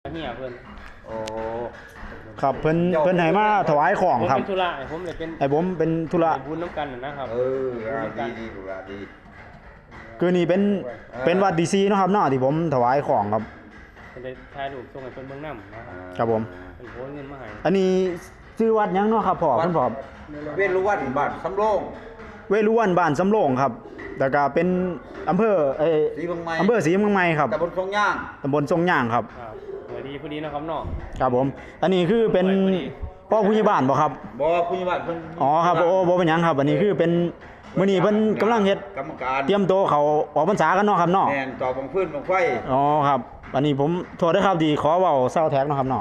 เฮียเพิ่นโอ้ครับเพิ่นให้มาถวายของครับผมเป็นธุระผมเลยเป็นผมเป็นธุระบุญน้ำกันนะครับดีดูละดีคือนี่เป็นวัดดีซีเนาะครับเนาะที่ผมถวายของครับเป็นได้ถ่ายรูปส่งให้เพิ่นเบิ่งนำครับผมเป็นโอนเงินมาให้อันนี้ชื่อวัดยังเนาะครับพ่อคุณพ่อเวรุวันบ้านสำโรงเวรุวันบ้านสำโรงครับแล้วก็เป็นอำเภอศรีเมืองใหม่ศรีเมืองใหม่ครับตำบลทรงย่างครับพอดีเนาะครับเนาะครับผมอันนี้คือเป็นพ่อผู้ใหญ่บ้านบ่ครับบ่ผู้ใหญ่บ้านเพิ่นอ๋อครับบ่เป็นหยังครับอันนี้คือเป็นมื้อนี้เพิ่นกำลังเฮ็ดกรรมการเตรียมตัวเขาออกพรรษากันเนาะครับเนาะแม่นต่อบังพื้นบังไฟอ๋อครับอันนี้ผมโทษด้วยครับดีขอเว้าเซาแท็กเนาะครับเนาะ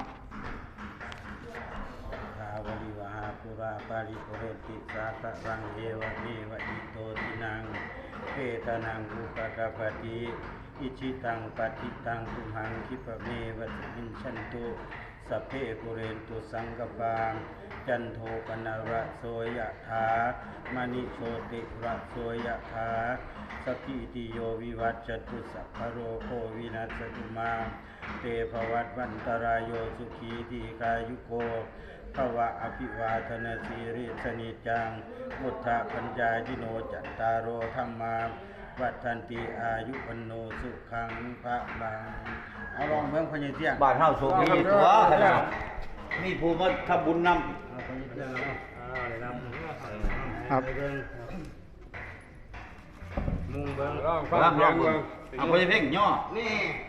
วลิวหาปุราปาริโภเรติสาคะรังเอวะเมวะอิโตตินังเปตานังอุปกปติอิชิตังปฏิตังตุหังคิปะเมวะมินชันตุสัพเพปุเรนตุสังกปาจันโทปนระโสยถามณิโชติระโสยถาสกิติโยวิวัจจตุสัพพโรโควินัสตุมาเตภวัตวันตรายโยสุขีทีกายุโกภวะอภิวาทนาสีริสนิจังพุทธปัญญายิโนจัตตารโอธรรมาวัฏันติอายุวันโนสุขังพระลังเอาลองเมืองพญเสียงบ้านเฮาสุขมีตัวมีผู้มาทำบุญนำครับมุงเบิ่งฟังเบิ่งเอาไปเพ่งย่อนี่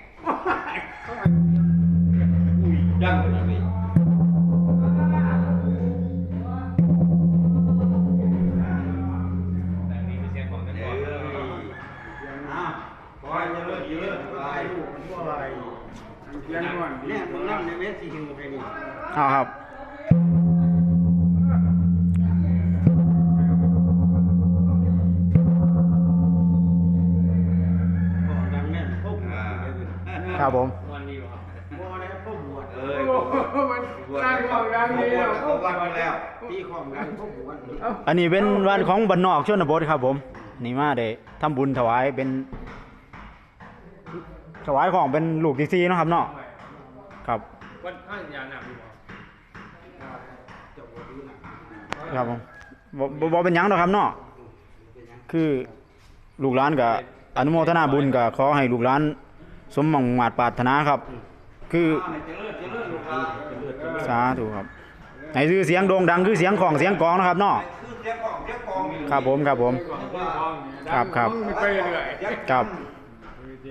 ยังเลยเนี่ยมึงนั่งในเวทีหิวไปนี่ครับครับผมอันนี้เป็นวันของบ้านนอกชนบทครับผมนี่มาได้ทำบุญถวายเป็นถวายของเป็นลูกดีซีเนาะครับเนาะครับวัดข้างยาหนักอยู่ครับผมบ่เป็นหยังหรอกครับเนาะคือลูกหลานกับอนุโมทนาบุญกับขอให้ลูกหลานสมหวังมาตรปรารถนาครับคือสาธุครับให้ชื่อเสียงโด่งดังคือเสียงของเสียงกองนะครับเนาะครับผมครับครับครับ